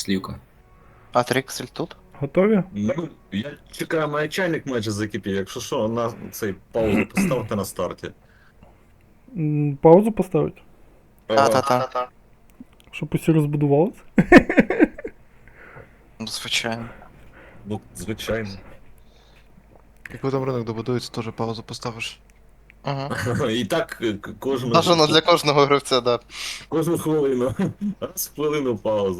Слівка. А Триксель тут? Готові? Ну, я чекаю, має чайник майже закипів. Якщо що, на цей паузу поставте на старті. Паузу поставити? Та-та-та. Щоб усі розбудувалися? Ну, звичайно. Ну, звичайно. Як потім ринок добудується, теж паузу поставиш. Угу. І так кожну, Бажано для кожного гравця, да. кожну хвилину. Раз в хвилину паузу.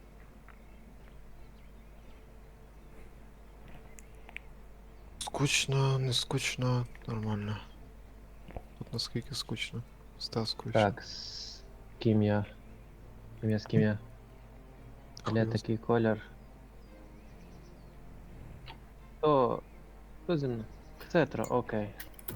Скучно, не скучно, нормально. Тут наскільки скучно. Став скучно. Так, з ким я? З ким я? Бля, такий колір. Хто зі мною? Цетра, окей.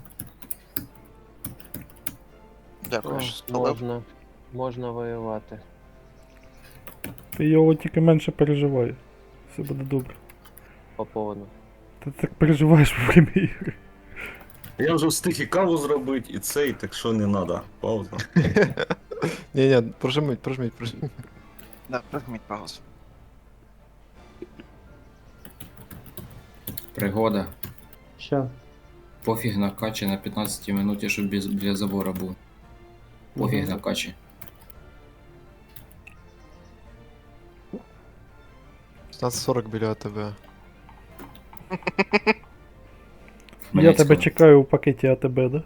Дякую, О, що спалив. можна воювати. Ти його тільки менше переживай. Все буде добре. По поводу. Ти так переживаєш во время ігри. Я вже встиг і каву зробити, і цей, так що не треба. Пауза. Ні, прожиміть. Да, пригніть паузу. Пригода. Що? Пофіг на качі на 15 минуті, щоб біля забора був. Пофіг на качі. 15:40 біля тебе. Я тебе чекаю у пакеті АТБ, да?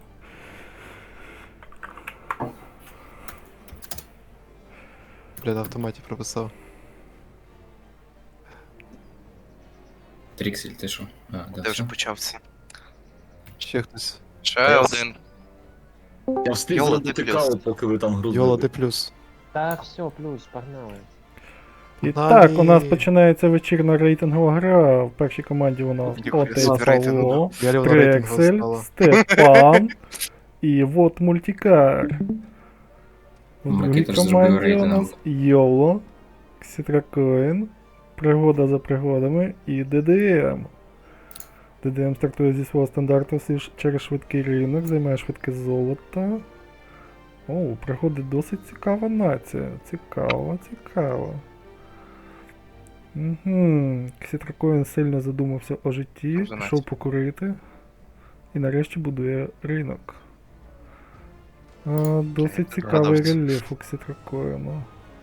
Бля, на автоматі прописав. Тріксель, ти що? А, да, Ти вже все. почався. Ще хтось. Ще один. Я встиг Йола, зробити ти каву, плюс. поки ви там грузили. Йола, де плюс? Та все, плюс, погнали. І Погнали. так, у нас починається вечірна рейтингова гра. В першій команді у нас Ніхуя Отець собі рейтингова. Павло, Я рівно рейтингу Трексель, стала. Степан і вот мультикар. В другій Микита ж зробив команді у рейтинг. нас Йоло, Ксітракоін, Пригода за пригодами і ДДМ. ДДМ стартує зі свого стандарту через швидкий ринок, займає швидке золото. О, у Пригоди досить цікава нація. Цікаво. Угу. Ксітракоін сильно задумався о житті, Дуже пішов нація. покурити. І нарешті будує ринок. Досить цікавий Продавці. рельєф у Ксітракоїну.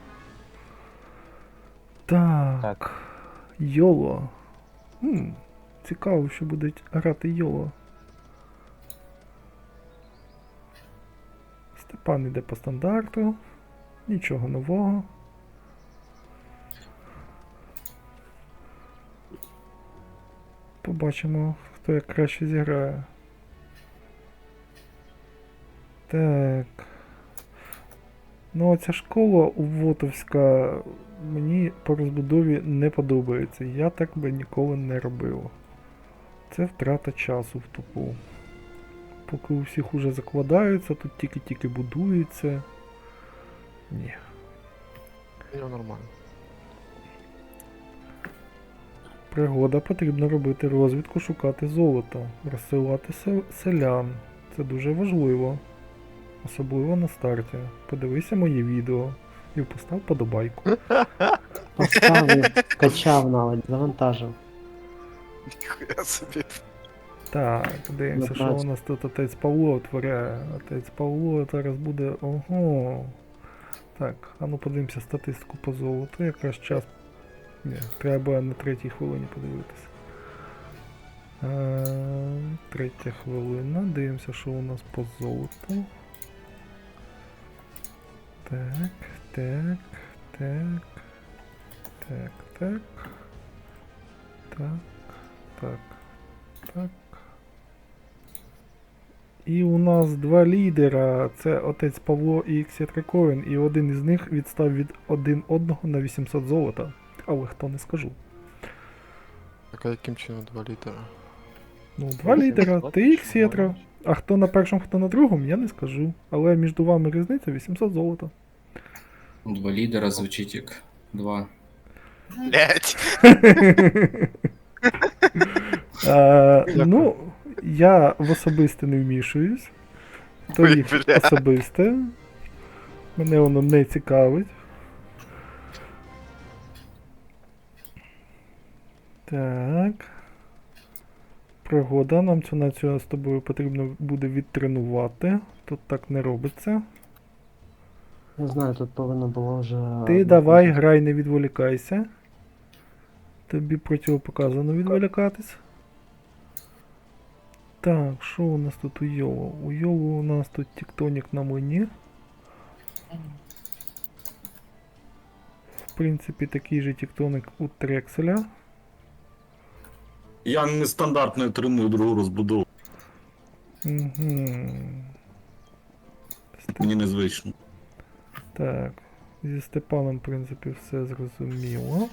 Так. Так. Йоло. Цікаво, що буде грати Йоло. Степан іде по стандарту. Нічого нового. Побачимо, хто як краще зіграє. Так. Ну, оця школа Увотовська мені по розбудові не подобається. Я так би ніколи не робив. Це втрата часу в тупу. Поки у всіх уже закладаються, тут тільки-тільки будується. Ні. Нормально. Пригода, потрібно робити розвідку, шукати золото, розсилати селян. Це дуже важливо. Особливо на старті. Подивися моє відео і постав подобайку. Поставив, скачав навіть, завантажив. Ніхуя собі. Так, дивимося, що у нас тут отець Павло творяє. Отець Павло зараз буде. Ого. Так, а ну подивимося статистику по золоту. Якраз час. Ні, треба на третій хвилині подивитися. Третя хвилина. Дивимося, що у нас по золоту. Так. І у нас два лідера. Це отець Павло і Ксітракоін. І один із них відстав від один одного на 800 золота. Але хто не скажу. Так, а яким чином 2 літера? Ну, два лідера, ти і Ксітра. А хто на першому, хто на другому, я не скажу. Але між вами різниця 800 золота. Два лідера звучить як два. Блять. Ну, я в особисте не вмішуюсь. То їх Ой, бля. особисте. Мене воно не цікавить. Так. Пригода. Нам цю націю з тобою потрібно буде відтренувати. Тут так не робиться. Не знаю, тут повинно було вже. Ти давай, грай, не відволікайся. Тобі противопоказано відволікатись. Так, що у нас тут у Йолу? У Йолу у нас тут тектонік на млині. В принципі, такий же тектоник у Трекселя. Я нестандартно треную другу розбудову. Угу. Мені незвично. Так, зі Степаном, в принципі, все зрозуміло.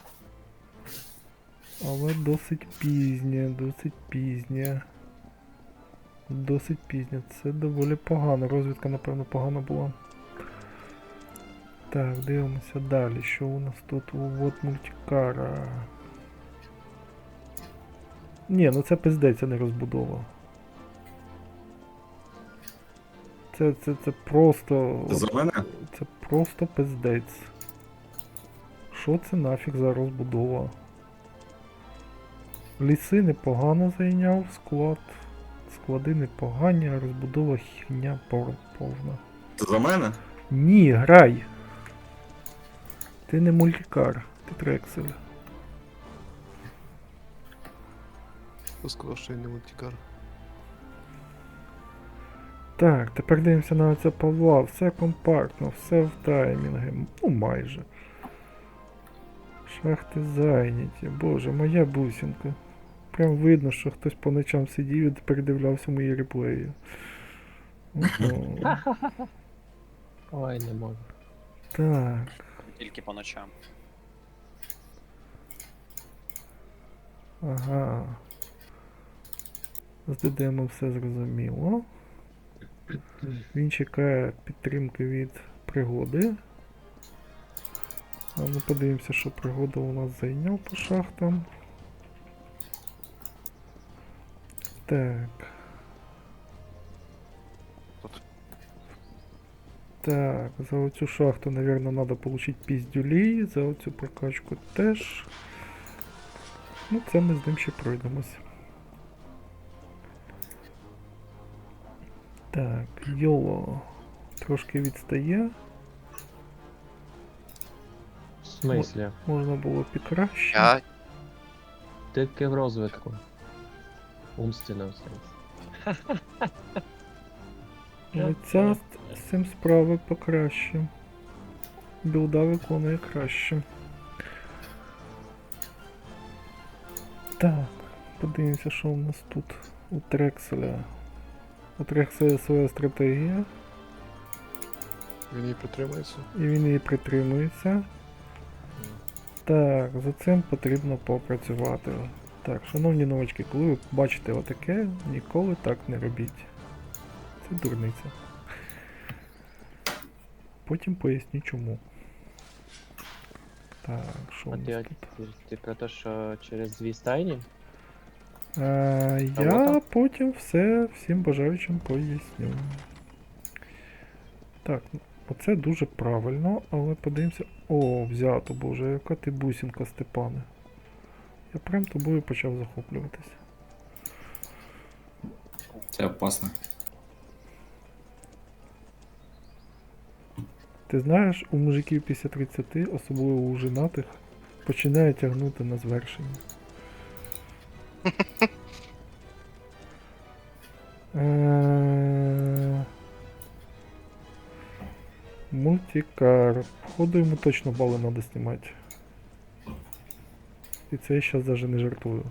Але досить пізнє, досить пізнє. Досить пізнє. Це доволі погано. Розвідка, напевно, погана була. Так, дивимося далі. Що у нас тут? Вот мультикара. Ні, ну це пиздець, а не розбудова. Це просто... Це за мене? Це просто пиздець. Що це нафіг за розбудова? Ліси непогано зайняв склад. Склади непогані, а розбудова херня повна. Це за мене? Ні, грай! Ти не мультикар, ти Трексель. Хто сказав, що я не мультикар? Так, тепер дивимося на оця Павла. Все компактно, все в таймінги. Ну майже. Шахти зайняті. Боже, моя бусинка. Прям видно, що хтось по ночам сидів і передивлявся мої реплеї. Ого. Ой, не можу. Так. Тільки по ночам. Ага. З ДДМ все зрозуміло. Він чекає підтримки від пригоди. А ми подивимося, що пригода у нас зайняв по шахтам. Так. Так, за оцю шахту, наверное, надо получить піздюлей, за оцю прокачку теж. Ну, це ми з ним ще пройдемось. Так, Йоло трошки відстає. В смислі? Можна було б і краще. Я Тільки в розвитку. Умственно все. Але ця з цим справи покраще. Білда виконує краще. Так, подивимося, що у нас тут у Трекселя. У Трекселя своя стратегія, Він її притримується? і він її притримується. Так, за цим потрібно попрацювати. Так, шановні новачки, коли ви бачите отаке, ніколи так не робіть. Це дурниця. Потім поясню чому. Так, що у А нас ти, тут? ти про те, що через дві стайні? Я вот потім все всім бажаючим поясню. Так, оце дуже правильно, але подивимося. О, взято, боже, яка ти бусинка, Степане. Я прям тобою почав захоплюватися. Це опасно. Ти знаєш, у мужиків після 30, особливо у женатих, починає тягнути на звершення. Мультикар. Походу йому точно бали треба знімати. І це я зараз навіть не жартую.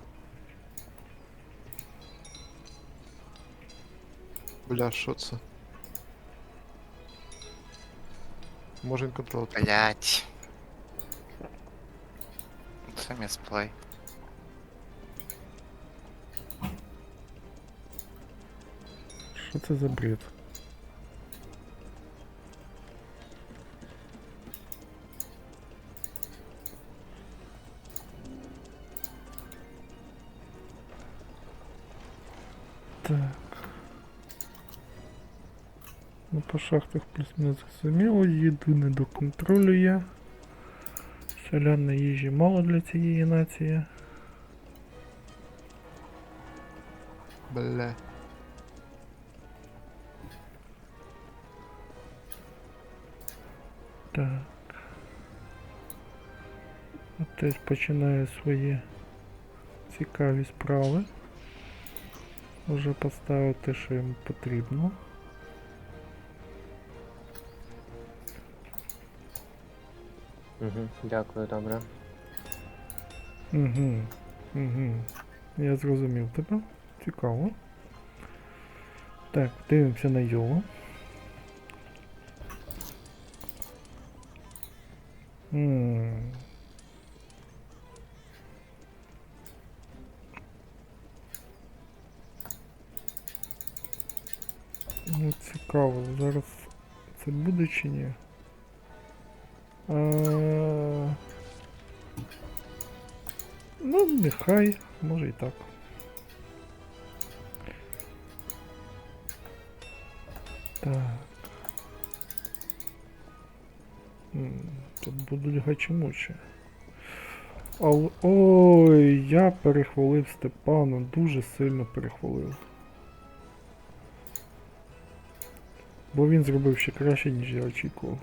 Бля, що це? Може він контроль. блять. Це місплей. Що це за бред? Так. Ну, по шахтах плюс-мінус зрозуміло, їду не доконтролює. Селян на їжі мало для цієї нації. Бля. Так. Отець починає свої цікаві справи. Вже поставив те, що йому потрібно. Угу, дякую, добре. Угу. Угу. Я зрозумів тебе. Цікаво. Так, дивимося на Йолу. Ну, цікаво, зараз це буде чи ні? Ну, нехай, може і так. Так. Тут будуть гачемучі. Але... Ой, я перехвалив Степана, дуже сильно перехвалив. Бо він зробив ще краще, ніж я очікував.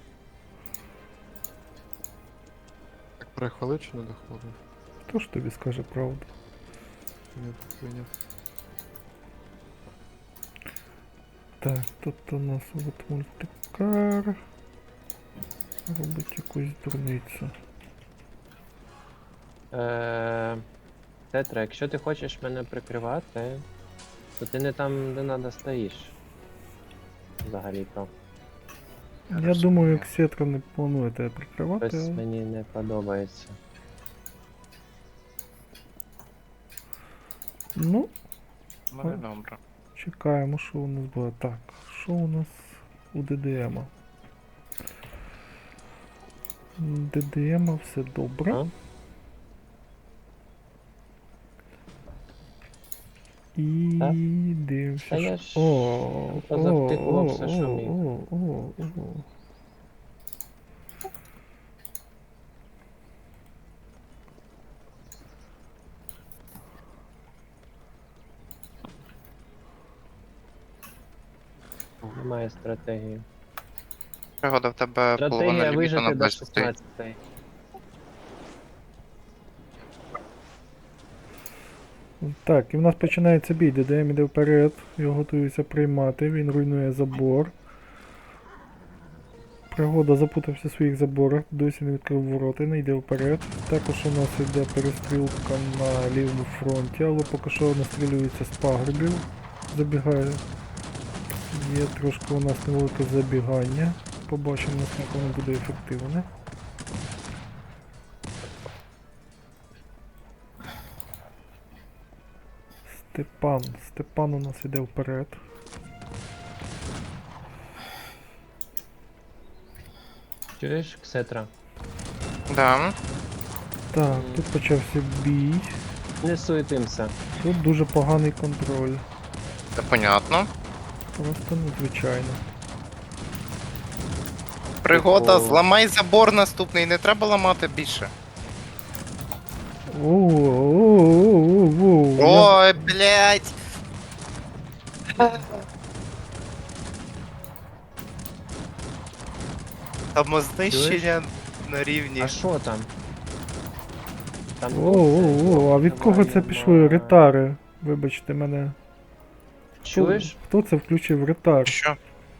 Так перехвалив чи не дохвалив? Хто ж тобі скаже правду? Не прийняв. Так, тут у нас от мультикар. Робить якусь дурницю. Тетра, якщо ти хочеш мене прикривати, то ти не там, де треба, стоїш. Взагалі-то. Я думаю, як Сетра не планує тебе прикривати. Щось мені не подобається. Ну, Ну, і добре. чекаємо, що у нас буде. Так, що у нас у ДДМа? ДДМа все добре. А? І Так? дивимося. Та я що- ж О, позавтикував все, що міг. о. Немає стратегії. Пригода в тебе половина Стратегія ліміту вижити на до 20. 16. Так, і в нас починається бій. ДДМ іде вперед, його готуються приймати, він руйнує забор. Пригода запутався в своїх заборах, досі не відкрив ворота, не йде вперед. Також у нас йде перестрілка на лівому фронті, але поки що настрілюється з пагорбів. Забігає. Є трошки у нас невелике забігання. Побачимо, наскільки воно буде ефективне. Степан у нас іде вперед. Чуєш, Ксетра? Да. Так, тут почався бій. Не суетимся. Тут дуже поганий контроль. Це понятно. Просто надзвичайно. Пригода, Типу- зламай забор наступний, не треба ламати більше. Оу. Ой, блядь! Самознищення на рівні. А що там? Там Оу, а від кого це пішли ретари? Вибачте мене. Чуєш? Хто це включив ретар? Що?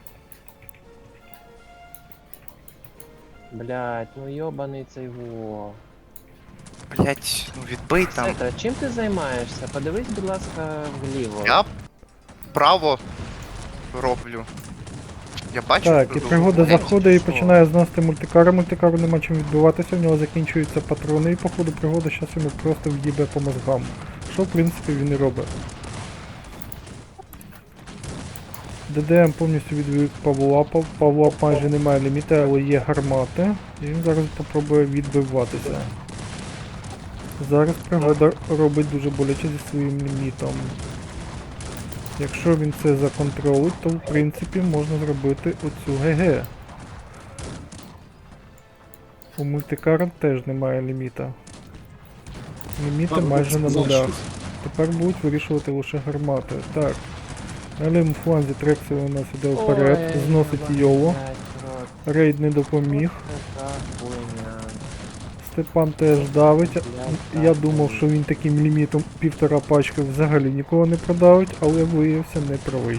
Блять, ну йобаний цей во. Блять, ну відбий там. Ксетра, чим ти займаєшся? Подивись, будь ласка, вліво. Я право роблю. Я бачу. Так, і що пригода ви- заходить і що? починає зносити мультикара. Мультикару нема чим відбиватися, в нього закінчуються патрони, і походу пригода зараз йому просто в'їбе по мозгам. Що в принципі він і робить. ДДМ повністю відвів Павлапа. Павлап майже немає ліміта, але є гармати. І він зараз попробує відбиватися. Зараз пригода робить дуже боляче зі своїм лімітом. Якщо він це законтролить, то в принципі можна зробити оцю ГГ. У мультикара теж немає ліміта. Ліміти майже на нулях. Тепер будуть вирішувати лише гармати. Так. На лівому фланзі Трексі у нас іде вперед, Ой, зносить ебать, Йоло. блядь, рот, Рейд не допоміг. така хуйня. Степан теж давить. Блядь, Я так, думав, що він таким лімітом 1,5 пачки взагалі нікого не продавить, але виявився неправий.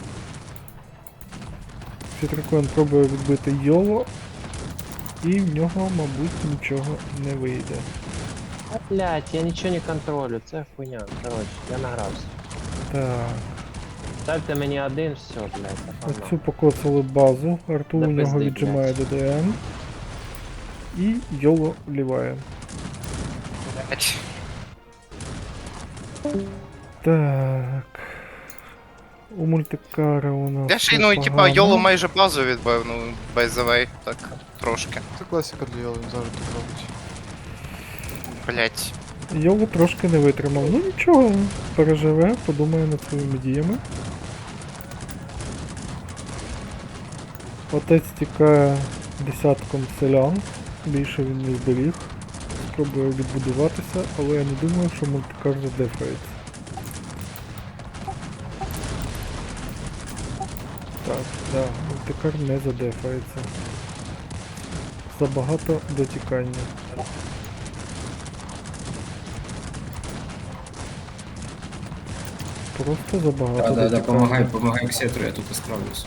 Сітрикон пробує відбити Йоло, і в нього, мабуть, нічого не вийде. А, блядь, я нічого не контролю, це хуйня. Коротше, я награвся. Так, Ставте мені один, все, блядь, оцю погнали. покоцали базу, Артур Да у нього пизди, віджимає ДДМ. І Йоло вліває. Блять. Так. У мультикара у нас. Я ще й, ну, типа, непогано. Йоло майже базу відбив, ну, без завей, так, трошки. Це класика для Йоли, він завжди так робить. Блять. Йоло трошки не витримав. Ну нічого, переживе, подумає над своїми діями. Отець тікає десятком селян, більше він не зберіг. Спробує відбудуватися, але я не думаю, що мультикар задефається. Так, да, мультикар не задефається. Забагато дотікання. Просто забагато Да, дотікання. помагай Ксетру, я тут і справлюсь.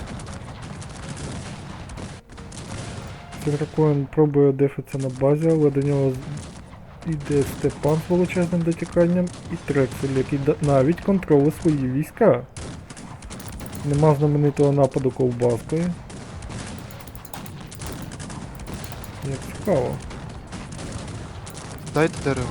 Сідракоін пробує дефитися на базі, але до нього йде Степан з величезним дотіканням і Трексель, який навіть контролює свої війська. Нема знаменитого нападу ковбаскою. Як цікаво. Дайте дерево.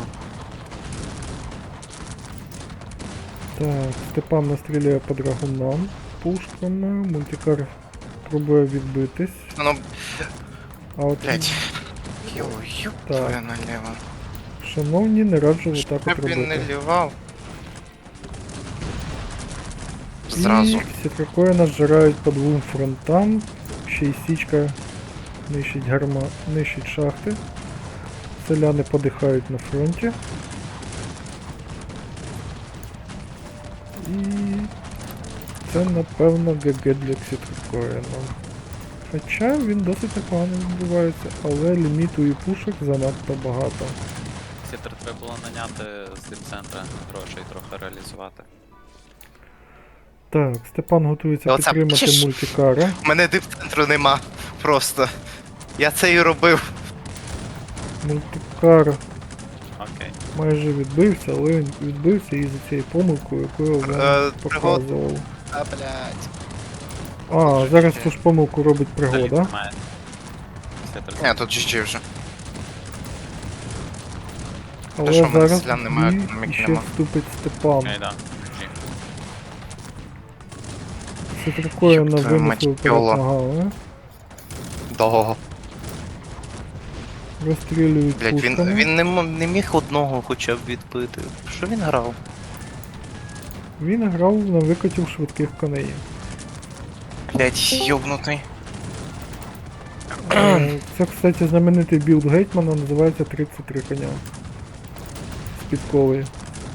Так, Степан настріляє по драгунам пушками, мультикар пробує відбитись. Ну, А от, блять. Йо, ёб Так. твою налево. шановні, не раджу отак от Щоб він не робити. лівав. Зразу. І Сітракоїна зжирають по двом фронтам. Ще й січка нищить нищить шахти. Селяни подихають на фронті. І це напевно ГГ для Сітракоїна. Хоча він досить непогано відбувається, але ліміту і пушок занадто багато. Сітер треба було наняти з дипцентра грошей трохи реалізувати. Так, Степан готується Оце підтримати піш. мультикара. Мене дипцентру нема. Просто. Я це і робив. Мультикар Окей. майже відбився, але він відбився із-за цієї помилки, яку я вам показував. А, блять. А, зараз ту ж помилку робить пригода. Немає. Сітер Ні, тут GG вже. Але що, в мене зараз селян немає, в бій економіки ще нема. вступить Степан. Окей, да. Ні. Сітракоїна Ёб твою мать, винесли Йоло. вперед ногами. Довго. Розстрілюють Блять, пушками. він не міг одного хоча б відбити. Що він грав? Він грав на викотів швидких коней. Блять, йобнутий. Це, кстати, знаменитий білд Гетьмана, називається 33 коня. З підковою.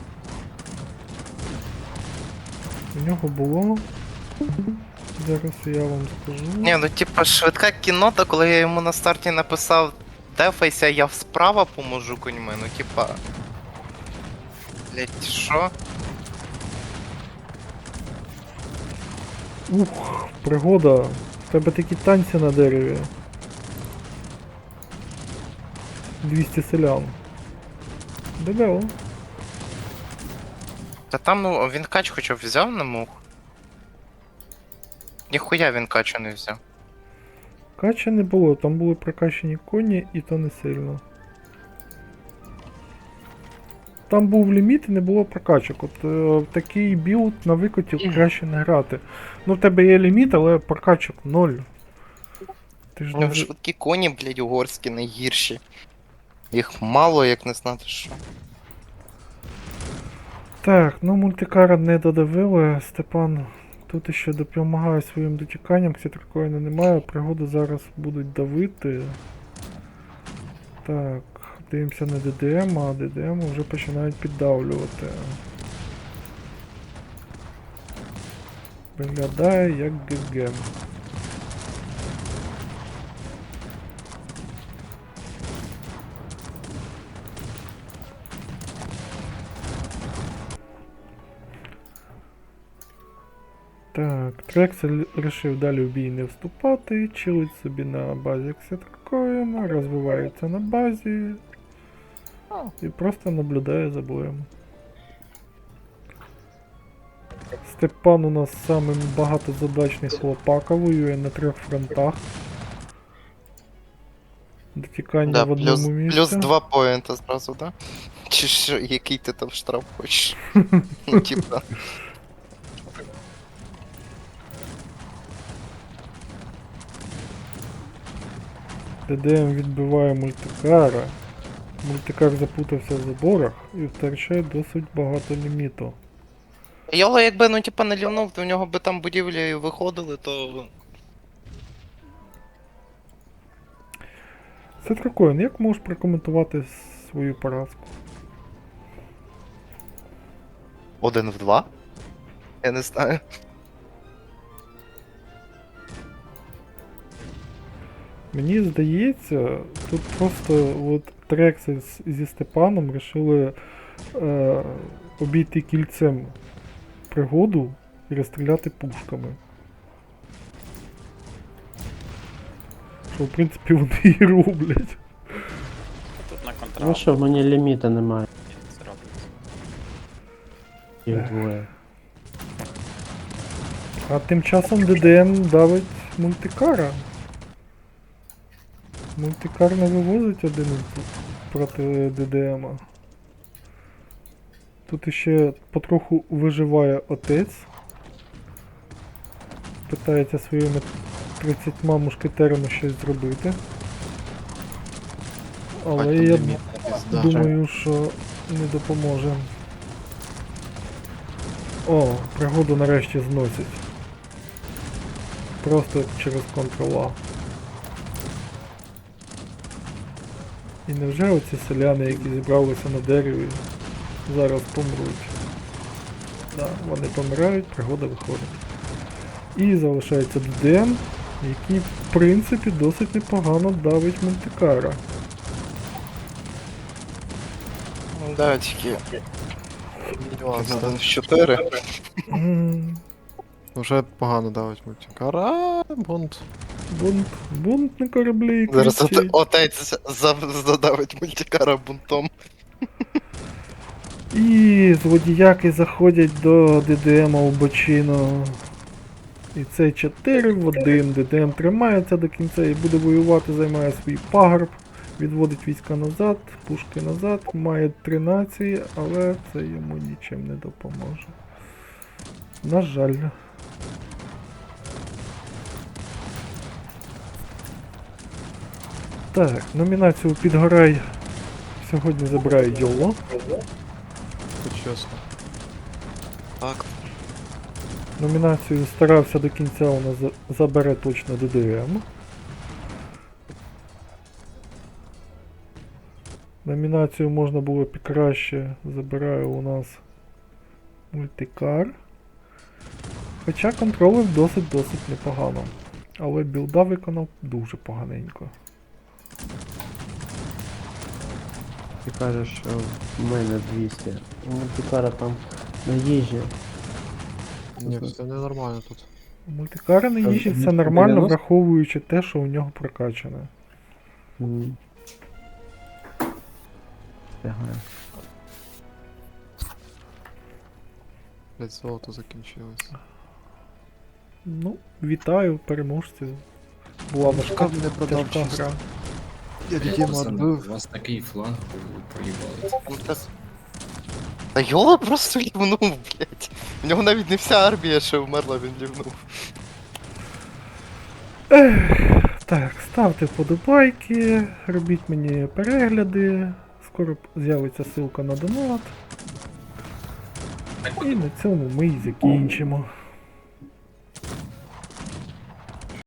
У нього було. Зараз я вам скажу. Ні, ну типа швидка кінота, коли я йому на старті написав дефайся, я справа поможу коньми, ну типа. Блять, що? Ух, пригода. В тебе такі танці на дереві. 200 селян. Дебело. Та там, ну, він кач хоча б взяв на мух. Ніхуя він качу не взяв. Кача не було, там були прокачені коні і то не сильно. Там був ліміт і не було прокачок. От такий білд на викотів краще не грати. Ну в тебе є ліміт, але прокачок 0. Ти ж У нього не... швидкі коні, блять, угорські найгірші. Їх мало, як не знати що. Так, ну мультикара не додавили. Степан тут ще допомагає своїм дотіканням, Сітракоїна немає, пригоди зараз будуть давити. Так, дивимося на ДДМ, а ДДМ вже починають піддавлювати. Виглядає як ГГ. Так, Трексель вирішив далі в бій не вступати, чилить собі на базі Ксетркоїна, розвивається на базі і просто наблюдає за боєм. Степан у нас самий багатозадачний хлопака, воює на 3 фронтах. Дотікання Да, в одному місці. плюс 2 поінта зразу, да? Чи що, який ти там штраф хочеш? Ну, типа. ДДМ відбиває мультикара. Мультикар запутався в заборах і втрачає досить багато ліміту. Йоло якби, ну типа не лівнув, то в нього би там будівлі виходили, то... Сетракоїн, як можеш прокоментувати свою поразку? 1 в 2? Я не знаю. Мені здається, тут просто от Трексель зі Степаном вирішили обійти кільцем пригоду і розстріляти пушками. Що в принципі вони і роблять. Тут на Ну контракт що, в мене ліміта немає. це робиться. Їх двоє. А тим часом ДДМ давить мультикара. Мультикар не вивозить один проти ДДМа. Тут іще потроху виживає отець. Питається своїми 30 мушкетерами щось зробити. Але Бать, я ліміт, пізда. думаю, що не допоможе. О, пригоду нарешті зносять. Просто через Ctrl-A. І невже оці селяни, які зібралися на дереві, зараз помруть? Да, вони помирають, пригода виходить. І залишається ДДМ, який в принципі досить непогано давить мультикара. Ну да, тільки... Клас, да. 1 в 4. Вже погано давить мультикар. А, бунт. Бунт на кораблі. Зараз кричить. отець задавить мультикара бунтом. І злодіяки заходять до ДДМа у бочину. І це 4 в 1. ДДМ тримається до кінця і буде воювати, займає свій пагорб, відводить війська назад, пушки назад, має 3 нації, але це йому нічим не допоможе. На жаль. Так, номінацію «Підгорай» сьогодні забирає Йоло. Це чесно. Так. Номінацію «Старався до кінця» у нас забере точно ДДМ. Номінацію «Можна було б і краще» забирає у нас мультикар. Хоча контролив досить непогано. Але білда виконав дуже поганенько. Ти кажеш, що в мене 200. У мультикара там на їжі. Ні, це ненормально тут. У мультикара на їжі все нормально, враховуючи те, що у нього прокачане. Встигаю. Блять, золото закінчилось. Ну, вітаю, переможці. Була важка, Шкаф не продав тяжка чисто. гра. Я Пацани, Дідіма у відбив. вас такий фланг проїбали. Та Йола просто лівнув, блять. В нього навіть не вся армія ще вмерла, він лівнув. Так, ставте вподобайки, робіть мені перегляди. Скоро з'явиться ссылка на донат. І на цьому ми і закінчимо.